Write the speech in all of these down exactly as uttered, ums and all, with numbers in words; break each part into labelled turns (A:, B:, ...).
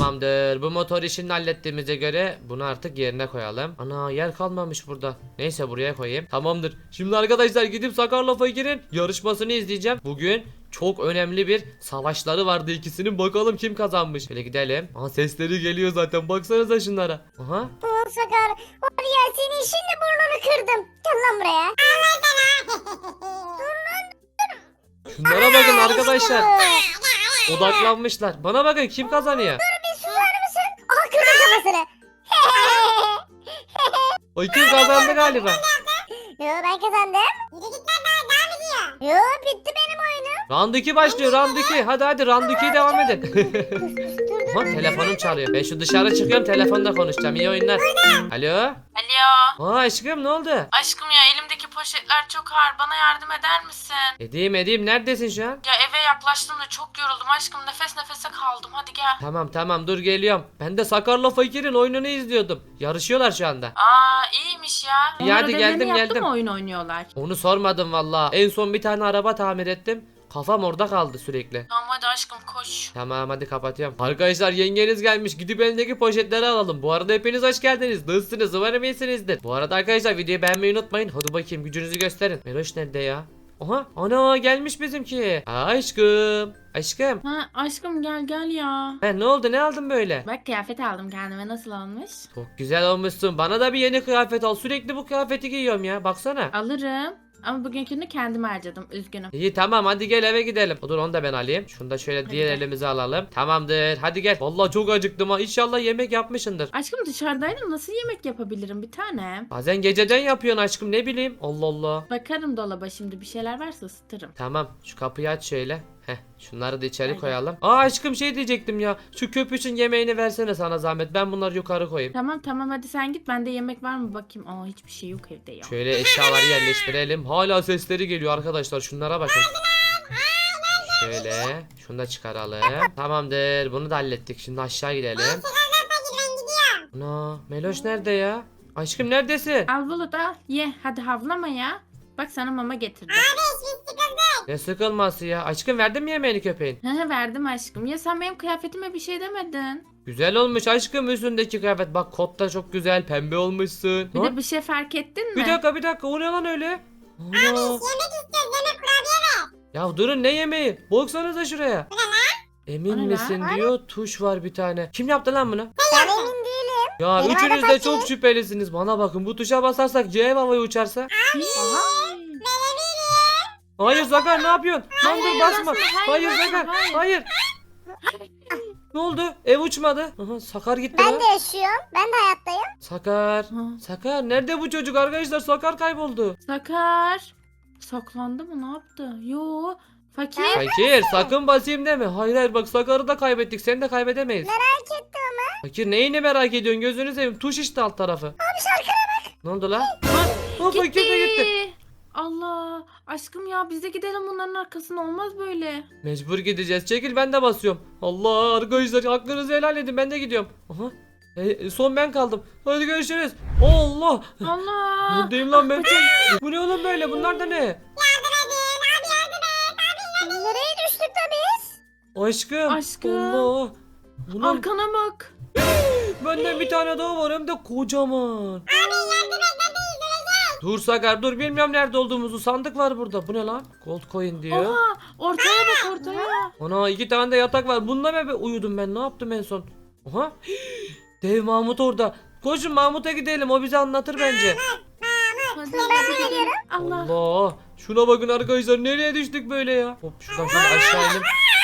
A: Tamamdır. Bu motor işini hallettiğimize göre bunu artık yerine koyalım. Ana yer kalmamış burada. Neyse buraya koyayım. Tamamdır. Şimdi arkadaşlar gidip Sakarla Fakir'in yarışmasını izleyeceğim. Bugün çok önemli bir savaşları vardı ikisinin. Bakalım kim kazanmış. Şöyle gidelim. Aha sesleri geliyor zaten. Baksanıza şunlara. Aha.
B: Ulan Sakar, var ya senin şimdi burnunu kırdım. Gel lan buraya.
A: Şunlara bakın arkadaşlar. Odaklanmışlar. Bana bakın kim kazanıyor.
B: Bir susar mısın? Aha kırdım kafasını.
A: O kim kazandı galiba.
B: Yo ben kazandım. Yürü git lan daha devam ediyor. Yo bitti benim oyunum.
A: Round iki başlıyor. Round iki. Hadi hadi round ikiye devam edin.
B: Dur
A: Ama telefonum çalıyor. Ben şu dışarı çıkıyorum telefonda konuşacağım. İyi oyunlar. Alo.
C: Alo.
A: Aa aşkım ne oldu?
C: Aşkım ya elimdeki poşetler çok ağır. Bana yardım eder misin?
A: Edeyim edeyim. Neredesin şu an?
C: Ya eve yaklaştım da çok yoruldum aşkım. Nefes nefese kaldım. Hadi gel.
A: Tamam tamam dur geliyorum. Ben de Sakarla Fakir'in oyununu izliyordum. Yarışıyorlar şu anda.
C: Aa iyiymiş ya.
A: İyi, hadi
D: Onlar
A: geldim,
D: ödevlerini yaptı
A: geldim.
D: mı oyun oynuyorlar?
A: Onu sormadım valla. En son bir tane araba tamir ettim. Kafam orada kaldı sürekli.
C: Tamam hadi aşkım koş.
A: Tamam hadi kapatıyorum. Arkadaşlar yengeniz gelmiş. Gidip elindeki poşetleri alalım. Bu arada hepiniz hoş geldiniz. Nasılsınız? Umarım iyisinizdir. Bu arada arkadaşlar videoyu beğenmeyi unutmayın. Hadi bakayım gücünüzü gösterin. Meloş nerede ya? Oha ana gelmiş bizimki. Aşkım. Aşkım.
D: Ha aşkım gel gel ya.
A: Ha, ne oldu ne aldın böyle?
D: Bak kıyafet aldım kendime, nasıl olmuş?
A: Çok güzel olmuşsun. Bana da bir yeni kıyafet al. Sürekli bu kıyafeti giyiyorum ya. Baksana.
D: Alırım. Ama bugünkünü kendim harcadım, üzgünüm.
A: İyi tamam hadi gel eve gidelim. Dur onu da ben alayım. Şunu da şöyle
D: Hadi
A: diğer
D: gel.
A: elimize alalım. Tamamdır. Hadi gel. Vallahi çok acıktım ha. İnşallah yemek yapmışsındır.
D: Aşkım dışarıdaydım, nasıl yemek yapabilirim bir tane?
A: Bazen geceden yapıyorsun aşkım ne bileyim. Allah Allah.
D: Bakarım dolaba, şimdi bir şeyler varsa ısıtırım.
A: Tamam şu kapıyı aç şöyle. Heh şunları da içeri
D: Hadi.
A: koyalım. Aa aşkım şey diyecektim ya. Şu köpüşün yemeğini versene sana zahmet. Ben bunları yukarı koyayım.
D: Tamam tamam hadi sen git, bende yemek var mı bakayım. Aa hiçbir şey yok evde ya.
A: Şöyle eşyaları yerleştirelim. Hala sesleri geliyor arkadaşlar. Şunlara bakın. Şöyle. Şunu da çıkaralım. Tamamdır. Bunu da hallettik. Şimdi aşağı gidelim. Ana Meloş nerede ya? Aşkım neredesin?
D: Al Bulut al ye, hadi havlama ya. Bak sana mama getirdim.
A: Ne sıkılması ya? Aşkım verdin mi yemeğini köpeğin?
D: He he verdim aşkım. Ya sen benim kıyafetime bir şey demedin.
A: Güzel olmuş aşkım üstündeki kıyafet. Bak kot da çok güzel. Pembe olmuşsun.
D: Bir
A: Ha?
D: de bir şey fark ettin mi?
A: Bir dakika bir dakika. O ne lan öyle? Ana. Ya durun ne yemeği? Baksanıza şuraya. Emin
D: O ne lan?
A: misin diyor. Tuş var bir tane. Kim yaptı lan bunu?
B: Ben emin değilim.
A: Ya
B: Benim
A: üçünüz
B: adım
A: de
B: Fakir.
A: çok şüphelisiniz. Bana bakın bu tuşa basarsak C havaya uçarsa.
D: Aha.
A: Hayır Sakar ne yapıyorsun? Lan dur
D: Hayır,
A: basma.
D: basma.
A: Hayır
D: Hayır,
A: Sakar.
D: hayır.
A: Hayır. Ne oldu? Ev uçmadı. Aha, Sakar gitti
B: Ben
A: lan.
B: de yaşıyorum. Ben de hayattayım.
A: Sakar.
D: Ha.
A: Sakar nerede bu çocuk arkadaşlar? Sakar kayboldu.
D: Sakar. Saklandı mı, ne yaptı? Yo. Fakir.
A: Fakir sakın basayım deme. Hayır hayır bak Sakar'ı da kaybettik. Seni de kaybedemeyiz.
B: Merak ettim ama.
A: Fakir neyini merak ediyorsun? Gözünü seveyim. Tuş işte alt tarafı. Abi
B: şarkıya bak.
A: Ne oldu lan? Ha, ha, Fakir de gitti.
D: Allah. Aşkım ya biz de gidelim bunların arkasına, olmaz böyle.
A: Mecbur gideceğiz. Çekil ben de basıyorum. Allah arkadaşlar hakkınızı helal edin. Ben de gidiyorum. Aha. E, son ben kaldım. Hadi görüşürüz. Allah.
D: Allah.
A: Neredeyim lan ben? Bu ne oğlum böyle? Bunlar da ne?
B: Nereye düştük da biz?
A: Aşkım.
D: Aşkım.
A: Allah. Bunun
D: Arkana bak.
A: benden bir tane daha var hem de kocaman. Dur Sakar dur bilmiyorum nerede olduğumuzu. Sandık var burada. Bu ne lan? Gold coin diyor.
D: Oha. Ortaya bak ortaya.
A: Ana iki tane de yatak var. Bunda mı be- uyudum ben? Ne yaptım en son? Oha. Dev Mahmut orada. Koşun Mahmut'a gidelim. O bize anlatır bence.
D: Hadi, hadi gidelim. Allah.
A: Allah. Şuna bakın arkadaşlar. Nereye düştük böyle ya? Hop şuradan şöyle aşağı inelim.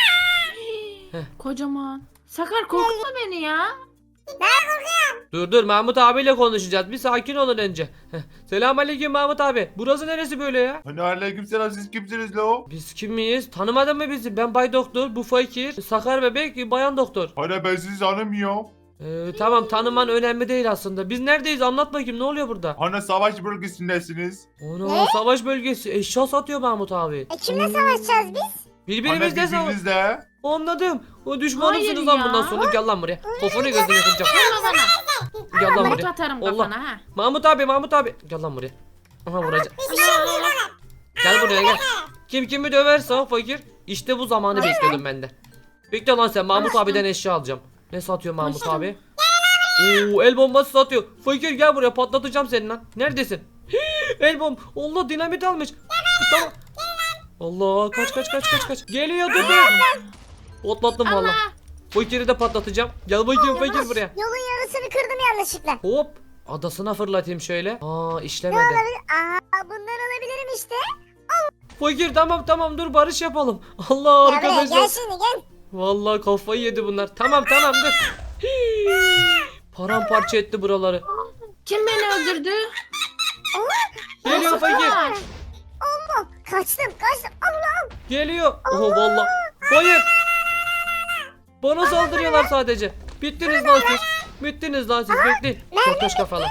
D: Kocaman. Sakar korkutma beni ya.
A: Dur dur Mahmut abiyle konuşacağız. Bir sakin olun önce. Selamünaleyküm Mahmut abi. Burası neresi böyle ya?
E: Hani aleykümselam, siz kimsiniz lo?
A: Biz kim miyiz? Tanımadın mı bizi? Ben Bay Doktor, bu Fakir, Sakar Bebek, Bayan Doktor.
E: Hani ben sizi tanımıyorum.
A: Ee, tamam tanıman önemli değil aslında. Biz neredeyiz? Anlat bakayım ne oluyor burada?
E: Hani savaş bölgesindesiniz.
A: Ana savaş bölgesi. Eşya satıyor Mahmut abi.
B: E kimle savaşacağız biz?
E: Hani
A: Birbirimizle savaş.
E: birbirinizle.
A: Anladım. O düşmanımsınız
D: Hayır
A: lan
D: ya.
A: bundan sonra. Gel lan buraya. Kafanı gözünü kıracağım.
D: Vurma bana.
A: Gel lan
D: Mut
A: buraya.
D: atarım
A: Allah.
D: kafana ha.
A: Mahmut abi Mahmut abi. Gel lan buraya. Aha vuracağım. Gel buraya gel. Kim kimi döverse o Fakir. İşte bu zamanı bekliyordum ben de. Bekle lan sen Mahmut
D: Aşkım.
A: abiden eşya alacağım. Ne satıyor Mahmut
D: Koştum.
A: abi? Oo, el bombası satıyor. Fakir gel buraya patlatacağım seni lan. Neredesin? El bomb. Allah dinamit almış. Tamam. Allah kaç kaç kaç kaç kaç. Geliyor dur dur. Patlattım valla.
D: Allah.
A: Fakiri de patlatacağım. Gel bakayım fakir buraya.
B: Yolun yarısını kırdım yanlışlıkla.
A: Hop. Adasına fırlatayım şöyle. Aa
B: Ne
A: işlemedi.
B: olabilir? Aa bundan alabilirim işte.
A: Fakir tamam tamam dur barış yapalım. Allah
B: Gel buraya gel
A: arkadaşlar.
B: şimdi gel.
A: Vallahi kafayı yedi bunlar. Tamam tamam dur. Paramparça etti buraları.
D: Kim beni öldürdü?
A: Geliyor fakir.
B: Allah kaçtım kaçtım. Allah.
A: Geliyor. Oho vallahi. Hayır. Bana saldırıyorlar sadece. Bittiniz lan siz. Bittiniz lan siz. Bekleyin. Korkmuş kafalı.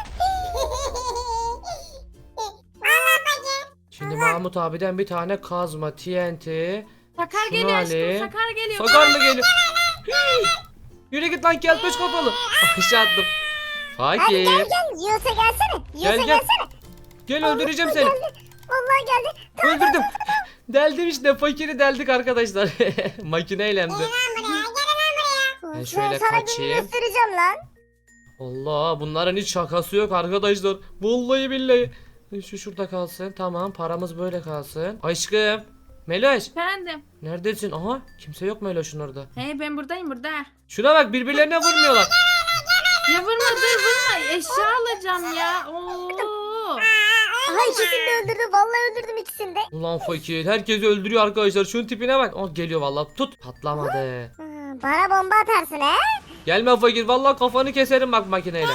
A: Şimdi Mahmut abiden bir tane kazma, T N T.
D: Sakar
A: Şunu
D: geliyor aşkım.
A: alayım.
D: Sakar geliyor.
A: Sakar mı geliyor? Yürü git lan keltoş kafalı. Aşağı attım.
B: Hadi
A: Fakir.
B: gel gel. Yiyorsa gelsene. Yiyorsa
A: Gel, gel.
B: gelsene.
A: Gel öldüreceğim seni.
B: Vallahi geldi.
A: Öldürdüm. Deldim işte fakiri deldik arkadaşlar. Makineyle hem de. Ben şöyle
B: sana gününü
A: kaçayım.
B: göstereceğim lan.
A: Allah bunların hiç şakası yok arkadaşlar. Vallahi billahi. Şu şurada kalsın. Tamam paramız böyle kalsın. Aşkım. Meloş.
D: Efendim.
A: Neredesin? Aha kimse yok Meloş'un orada.
D: Hey ben buradayım burada.
A: Şuna bak birbirlerine vurmuyorlar.
D: Ya vurma dur vurma. Eşya alacağım ya. Oo.
B: Aha ikisini de öldürdüm. Vallahi öldürdüm ikisini de.
A: Ulan fakir herkesi öldürüyor arkadaşlar. Şunun tipine bak. Oh geliyor vallahi. Tut. Patlamadı.
B: Ha, bana bomba atarsın he?
A: Gelme fakir. Vallahi kafanı keserim bak makineyle.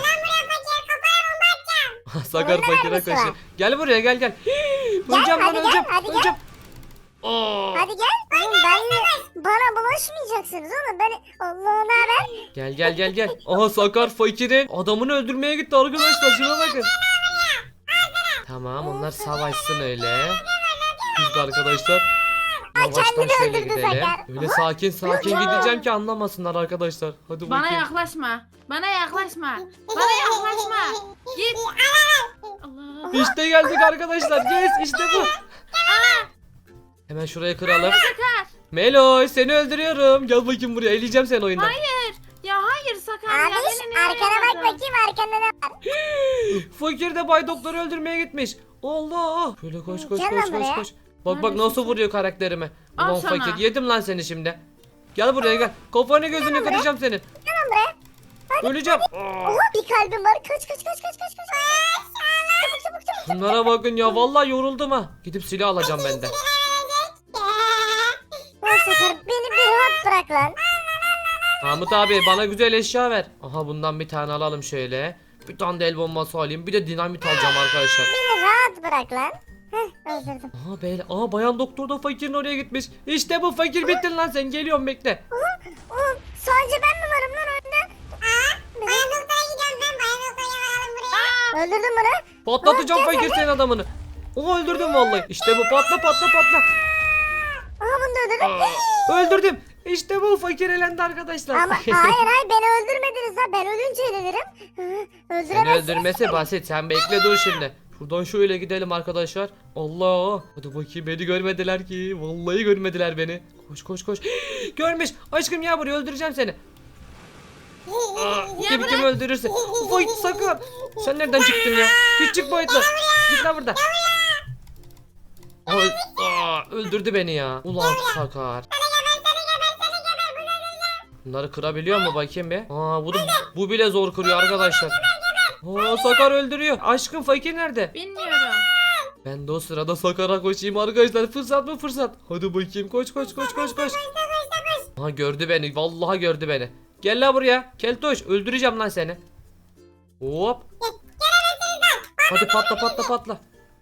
A: Sakar
B: Bunun da
A: fakire
B: mermisi
A: kaşı.
B: var.
A: Gel buraya gel gel. Hii, öleceğim lan
B: hadi gel,
A: öleceğim.
B: hadi gel.
A: öleceğim. Aa.
B: Hadi gel. Oğlum benle bana bulaşmayacaksınız oğlum. Ben Allah ne haber?
A: Gel gel gel gel. Aha Sakar fakirin adamını öldürmeye gitti arkadaşlar. Şuna bakın. Tamam onlar savaşsın öyle. Biz de arkadaşlar yavaştan
B: kendini
A: şöyle
B: öldürdü
A: gidelim.
B: Sakar.
A: Öyle sakin sakin gideceğim ki anlamasınlar arkadaşlar. Hadi
D: Bana
A: bakayım.
D: yaklaşma. Bana yaklaşma. Bana yaklaşma. Git. Allah.
A: İşte geldik arkadaşlar. Yes işte bu. Hemen şurayı kıralım.
D: Sakar.
A: Meloy seni öldürüyorum. Gel bakayım buraya. Eleyeceğim seni oyundan.
D: Hayır. Ya hayır Sakar ya.
B: Abi
D: Beni niye
B: arkana bak
D: yapmadın?
B: bakayım arkanda ne var?
A: Fakir de Bay Doktor'u öldürmeye gitmiş. Allah. Şöyle koş koş
B: Gel
A: koş
B: lan
A: koş
B: buraya.
A: koş. Bak bak
D: Neredesin
A: nasıl
D: sen?
A: vuruyor karakterime.
D: Al
A: Ulan
D: sana.
A: fakir yedim lan seni şimdi. Gel buraya gel. Kafanı gözünü kıracağım senin.
B: Tamam buraya.
A: Öleceğim.
B: Oha bir kalbim var. Kaç kaç kaç kaç kaç kaç. Çabuk çabuk çabuk.
A: Bunlara bakın ya vallahi yoruldum ha. Gidip silah alacağım ben de.
B: Lan Sakar beni bir rahat bırak lan.
A: Mahmut abi bana güzel eşya ver. Aha bundan bir tane alalım şöyle. Bir tane de el bombası alayım. Bir de dinamit alacağım arkadaşlar.
B: Beni rahat bırak lan. Heh öldürdüm.
A: Aha beyler. Aha bayan doktor da fakirin oraya gitmiş. İşte bu fakir bittin lan sen. Geliyorum bekle.
B: Oğlum sadece ben mi varım lan önde? Aa bayan doktora gidiyorum ben. Bayan doktora varalım buraya. Öldürdün bunu.
A: Patlatacağım
B: Aa, gel
A: fakir senin adamını. Oha öldürdüm vallahi. İşte bu patla patla patla.
B: Aha bunu da öldürdüm.
A: Öldürdüm. İşte bu fakir elendi arkadaşlar.
B: Ama hayır hayır beni öldürmediniz ha. Ben ölünce elenirim. Hı,
A: Seni
B: öldüremezsiniz.
A: öldürmesi basit. Sen bekle dur şimdi. Şuradan şöyle gidelim arkadaşlar. Allah. Hadi bakayım beni görmediler ki. Vallahi görmediler beni. Koş koş koş. Görmüş. Aşkım ya buraya öldüreceğim seni. Aa, kim kim öldürürse. Vay sakın. Sen nereden çıktın ya? Küçük boyutlu. Git lan burada. Aa, aa, öldürdü beni ya. Ulan sakar. Bunları kırabiliyor mu bakayım bir? Aa bu da, bu bile zor kırıyor arkadaşlar. Aa Sakar öldürüyor. Aşkım fakir nerede?
D: Bilmiyorum.
A: Ben de o sırada Sakar'a koşayım arkadaşlar. Fırsat mı fırsat? Hadi bakayım koş koş koş koş koş. Ha gördü beni. Vallahi gördü beni. Gel la buraya. Keltoş öldüreceğim lan seni. Hop. Hadi patla patla patla.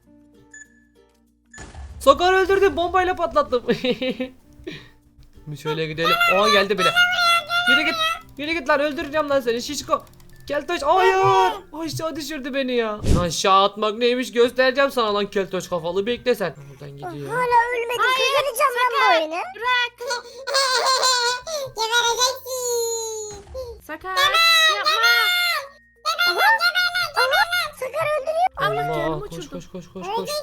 A: Sakar öldürdüm. Bombayla patlattım. Bir şöyle gidelim. Aa geldi bile. Yürü git. Yürü git lan öldüreceğim lan seni şişko. Keltoş hayır. Aşağı düşürdü beni ya. Aşağı atmak neymiş göstereceğim sana lan keltoş kafalı bekle sen. Buradan gidiyor.
B: Hala ölmedim. Kazanacağım lan bu oyunu.
D: Bırak. Sakar yapma.
B: Sakar öldürüyor.
D: Allah
A: Allah
D: canımı
A: koş
D: uçurdu.
A: koş koş koş koş.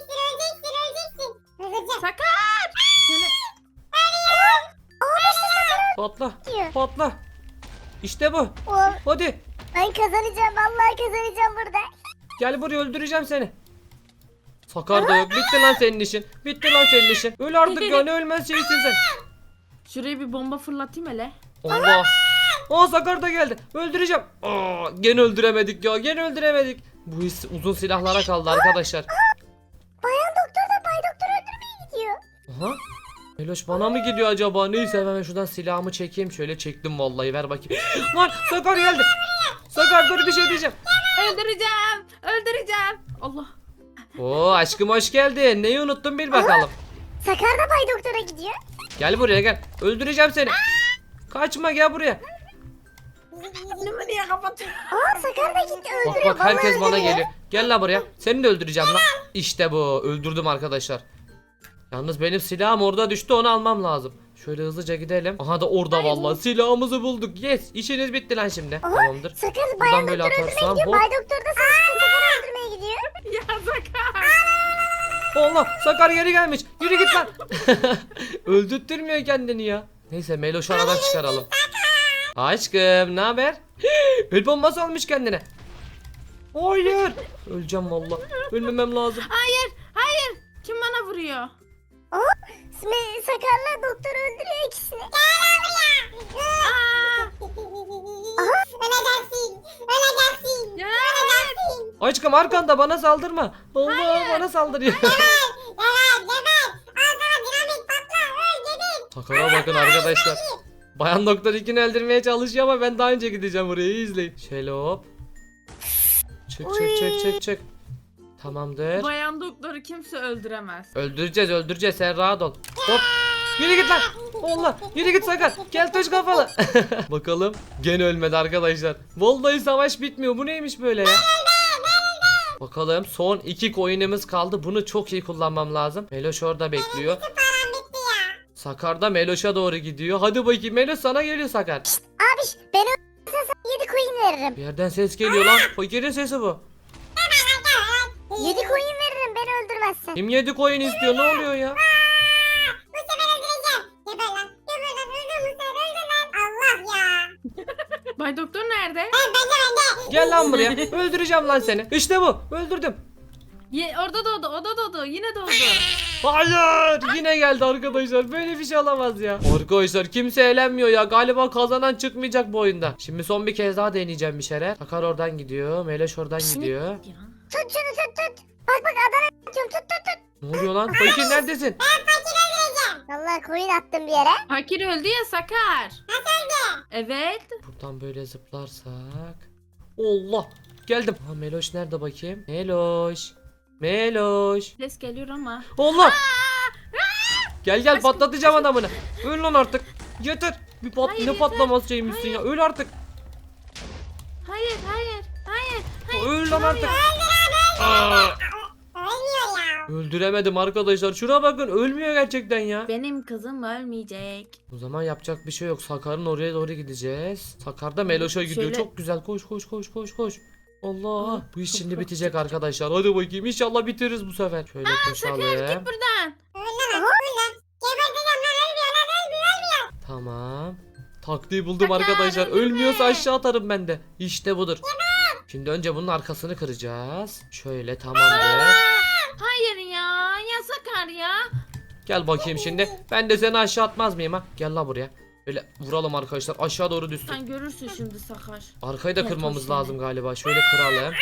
D: Sakar. Seni
A: Patla.
B: diyor.
A: Patla. İşte bu.
B: Oğlum
A: Hadi.
B: ben kazanacağım. Vallahi kazanacağım burada.
A: Gel buraya, öldüreceğim seni. Sakar da yok. Bitti lan senin işin. Bitti lan senin işin. Öl artık ya, ne ölmez şeysin sen.
D: Şuraya bir bomba fırlatayım hele.
A: Allah. Aa, Sakar da geldi. Öldüreceğim. Aa, gene öldüremedik ya. Gene öldüremedik. Bu iş uzun silahlara kaldı arkadaşlar.
B: Bayan doktor da bay doktor öldürmeye gidiyor.
A: Aha. Meloş bana mı gidiyor acaba? Neyse hemen şuradan silahımı çekeyim. Şöyle çektim vallahi, ver bakayım. Lan Sakar geldi. Sakar dur, bir şey diyeceğim.
D: Öldüreceğim. Öldüreceğim. Allah.
A: Oo aşkım, hoş geldin. Neyi unuttun bil bakalım.
B: Sakar da bay doktora gidiyor.
A: Gel buraya gel. Öldüreceğim seni. Kaçma, gel buraya.
D: Önümü niye kapatıyorsun?
B: Aa Sakar da gitti
A: Bak
B: öldürüyor.
A: bak, herkes
B: Vallahi
A: bana
B: öldürüyor.
A: geliyor. Gel la buraya. Seni de öldüreceğim lan. İşte bu. Öldürdüm arkadaşlar. Yalnız benim silahım orada düştü, onu almam lazım. Şöyle hızlıca gidelim. Aha da orada vallahi silahımızı bulduk. Yes, işiniz bitti lan şimdi. Tamamdır.
B: Sakar
A: Buradan
B: bayan
A: böyle
B: doktor öldürmeye
A: atarsam,
B: gidiyor.
A: hop.
B: Bay doktor da Sakar Sakar öldürmeye gidiyor.
D: Ya Sakar.
A: Allah, Sakar geri gelmiş. Yürü git lan. Öldürtmüyor kendini ya. Neyse Meloş'u aradan çıkaralım. Aşkım ne haber? El bombası almış kendine. Hayır. Öleceğim vallahi. Ölmemem lazım.
D: Hayır. Hayır. Kim bana vuruyor?
B: Me- Sakar'la doktor öldürüyor ikisini.
D: Aa.
B: Aha. Öleceksin. Öleceksin.
D: Ya.
B: Öleceksin.
A: Aşkım arkanda, bana saldırma. Allah, bana saldırıyor.
B: Geber geber. Ağzına dinamit patla. Öl geber.
A: Sakar'a bakın arkadaşlar. Bayan doktor ikini öldürmeye çalışıyor ama ben daha önce gideceğim oraya, iyi izleyin. Şöyle hop. Çık çık çık çık çık. Tamamdır.
D: Bayan doktoru kimse öldüremez.
A: Öldüreceğiz öldüreceğiz, sen rahat ol. Hop. Yürü git lan. Allah, yürü git Sakar. Gel taş kafalı. Bakalım. Gene ölmedi arkadaşlar. Vallahi savaş bitmiyor. Bu neymiş böyle ya? Bakalım, son iki coin'imiz kaldı. Bunu çok iyi kullanmam lazım. Meloş orada bekliyor. Sakar da Meloş'a doğru gidiyor. Hadi bakayım, Meloş sana geliyor Sakar.
B: Abiş ben öldürürsen sana yedi coin veririm.
A: Bir yerden ses geliyor lan. Fakirin sesi bu.
B: Yedi coin veririm beni öldürmezsen.
A: Kim yedi coin istiyor? Ne oluyor ya?
B: Bu sefer öldüreceğim. Geber lan. Geber lan. Öldür bu sefer öldür lan. Allah ya.
D: Bay doktor nerede?
A: Gel lan buraya. Öldüreceğim lan seni. İşte bu. Öldürdüm.
D: Ye, orada doğdu. O da doğdu. Yine doğdu.
A: Hayır. Yine geldi arkadaşlar. Böyle bir şey olamaz ya. Arkadaşlar kimse eğlenmiyor ya. Galiba kazanan çıkmayacak bu oyunda. Şimdi son bir kez daha deneyeceğim bir şeyler. Sakar oradan gidiyor. Meleş oradan gidiyor.
B: Tut şunu tut tut. Bak bak Adana atıyorum tut tut tut.
A: Ne oluyor lan? Fakir neredesin?
B: Vallahi coin attım bir yere.
D: Fakir öldü ya Sakar. Nasıl öldü? Evet.
A: Buradan böyle zıplarsak. Allah. Geldim. Ha, Meloş nerede bakayım? Meloş. Meloş.
D: Ses geliyor ama.
A: Allah. Gel gel, patlatacağım adamını. Öl lan artık. Yeter. Bir pat
D: Hayır,
A: ne
D: yeter.
A: patlamaz şeymişsin ya. Öl artık.
D: Hayır hayır. Hayır. Hayır.
A: Öl lan artık. Aa. Öldüremedim arkadaşlar. Şuna bakın, ölmüyor gerçekten ya.
D: Benim kızım ölmeyecek.
A: O zaman yapacak bir şey yok. Sakar'ın oraya doğru gideceğiz. Sakar da Meloş'a gidiyor.
D: Şöyle-
A: Çok güzel. Koş koş koş koş koş. Allah. Bu iş şimdi bitecek arkadaşlar. Hadi bakayım. İnşallah bitiririz bu sefer. Şöyle
D: Sakar
A: koşalım.
D: git buradan.
A: Tamam. Taktiği buldum
D: Sakar,
A: arkadaşlar.
D: öldürme.
A: Ölmüyorsa aşağı atarım ben de. İşte budur. Şimdi önce bunun arkasını kıracağız. Şöyle, tamamdır.
D: Hayır ya. Ya Sakar ya.
A: Gel bakayım şimdi. Ben de seni aşağı atmaz mıyım ha? Gel la buraya. Böyle vuralım arkadaşlar. Aşağı doğru düşsün.
D: Sen görürsün şimdi Sakar.
A: Arkayı da
D: Gel
A: kırmamız
D: koş şimdi.
A: lazım galiba. Şöyle kıralım.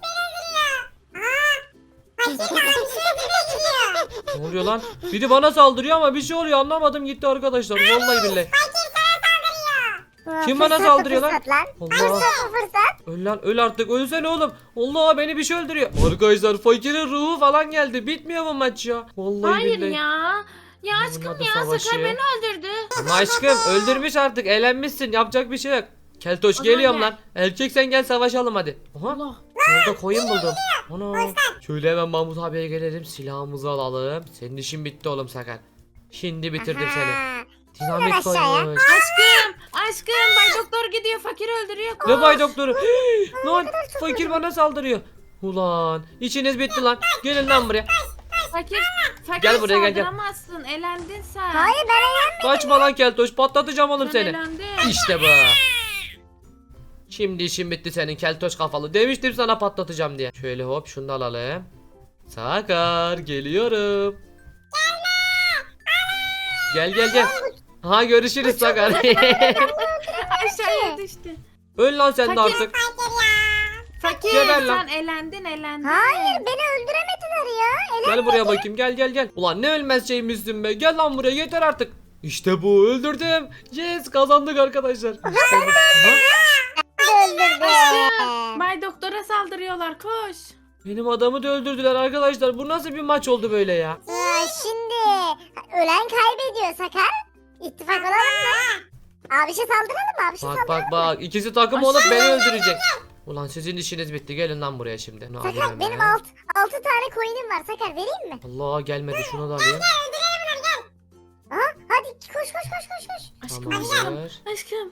A: Ne oluyor lan? Biri bana saldırıyor ama bir şey oluyor, anlamadım gitti arkadaşlar. Vallahi billahi.
B: Ha,
A: Kim bana
B: fırsat
A: saldırıyor lan?
B: fırsat lan?
A: Allah.
B: Fırsat bu fırsat.
A: Öl lan, öl artık, ölsene oğlum. Allah, beni bir şey öldürüyor. Arkadaşlar fakirin ruhu falan geldi. Bitmiyor bu maç ya. Vallahi
D: Hayır
A: billahi.
D: ya. Ya
A: Bunun
D: aşkım
A: adı
D: ya
A: savaşı.
D: Sakar beni öldürdü.
A: Ama aşkım öldürmüş artık, eğlenmişsin, yapacak bir şey yok. Keltoş
D: O zaman
A: geliyorum
D: gel.
A: lan. Erkek sen gel, savaşalım hadi. Aha.
D: Allah.
A: Orada koyun buldum. Ana. Şöyle hemen Mahmut abiye gelelim. Silahımızı alalım. Senin işin bitti oğlum Sakar. Şimdi bitirdim seni.
B: Aha.
A: Dinamit
B: aşağıya.
A: koymuş.
D: Aşkım. Aşkım. Bay doktor gidiyor. Fakir öldürüyor.
A: Ne bay doktoru? Lan fakir bana saldırıyor. Ulan işiniz bitti lan. Gelin lan buraya.
D: Fakir. Fakir
A: Gel buraya, gel, gel.
D: saldıramazsın. Elendin sen.
B: Hayır ben eğlenmedim.
A: Kaçma lan Keltoş, patlatacağım oğlum
D: Sen
A: seni.
D: elendin.
A: İşte bu. Şimdi işin bitti senin keltoş kafalı. Demiştim sana patlatacağım diye. Şöyle hop şunu da alalım. Sakar geliyorum. Gel gel gel. Ha görüşürüz Sakar.
D: Aşağıya düştü.
A: Öl lan sen de
D: Fakir.
A: artık.
D: Fakir
A: Geber lan.
D: sen elendin elendin.
B: Hayır beni öldüremediler ya. Ele
A: Gel buraya bakayım gel gel gel. Ulan ne ölmez şeymişsin be. Gel lan buraya yeter artık. İşte bu öldürdüm. Yes kazandık arkadaşlar. İşte bu. Aha,
B: öldürdü.
D: Bay doktora saldırıyorlar koş.
A: benim adamı da öldürdüler arkadaşlar. Bu nasıl bir maç oldu böyle ya?
B: Ya şimdi ölen kaybediyor Sakar. İttifak olalım mı? Abişe saldıralım mı? Abişe
A: Bak
B: saldıralım.
A: bak bak ikisi takım olup beni öldürecek. Ulan sizin işiniz bitti. Gelin lan buraya şimdi. Ne alayım
B: Sakar
A: hemen?
B: benim alt, altı tane coin'im var. Sakar vereyim mi?
A: Allah gelmedi şunu da alayım.
B: Aha, hadi koş koş koş koş koş.
D: Aşkım aşkım.
A: Tamamdır.
D: Aşkım.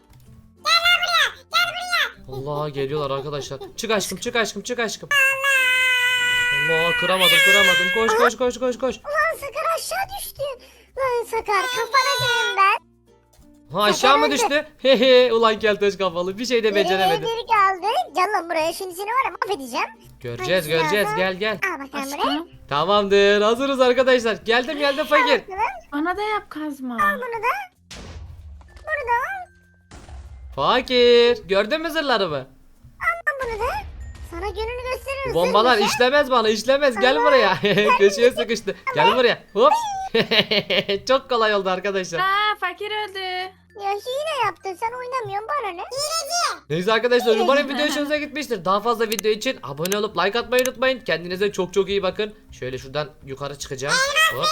A: Allah geliyorlar arkadaşlar. Çık aşkım çık aşkım çık aşkım. Allah kıramadım kıramadım. Koş koş koş koş koş.
B: Lan Sakar aşağı düştü. Lan Sakar kafana dönün ben.
A: Ha aşağı mı
B: öldü.
A: düştü? Hehe ulan keltoş kafalı bir şey de
B: Geriye
A: beceremedi.
B: bir kaldı. Gel lan buraya şimdi seni var ya mahvedeceğim.
A: Göreceğiz
B: Hadi
A: göreceğiz
B: silahı.
A: gel gel.
B: Al bakalım buraya.
D: Aşkım.
A: Tamamdır hazırız arkadaşlar. Geldim geldim fakir.
D: Bana da yap kazma.
B: Bunu da. Bunu da al.
A: Fakir gördün mü zırhlarımı?
B: Al bunu da. Sana gününü gösteririm.
A: Bombalar
B: Zırhlı.
A: işlemez bana işlemez gel buraya. Köşeye sıkıştı. Gel buraya. Hop. Çok kolay oldu arkadaşlar.
D: Aa fakir öldü.
B: Ya hile yaptın sen oynamıyorsun bana ne?
A: Neyse arkadaşlar umarım video hoşunuza gitmiştir. Daha fazla video için abone olup like atmayı unutmayın. Kendinize çok çok iyi bakın. Şöyle şuradan yukarı çıkacağım. Hop.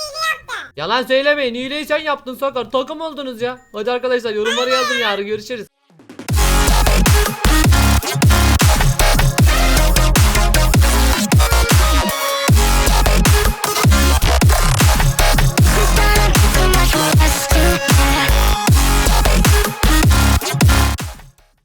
A: Yalan söylemeyin. Hileyi sen yaptın Sakar. Takım oldunuz ya. Hadi arkadaşlar yorumları yazın yarın görüşürüz.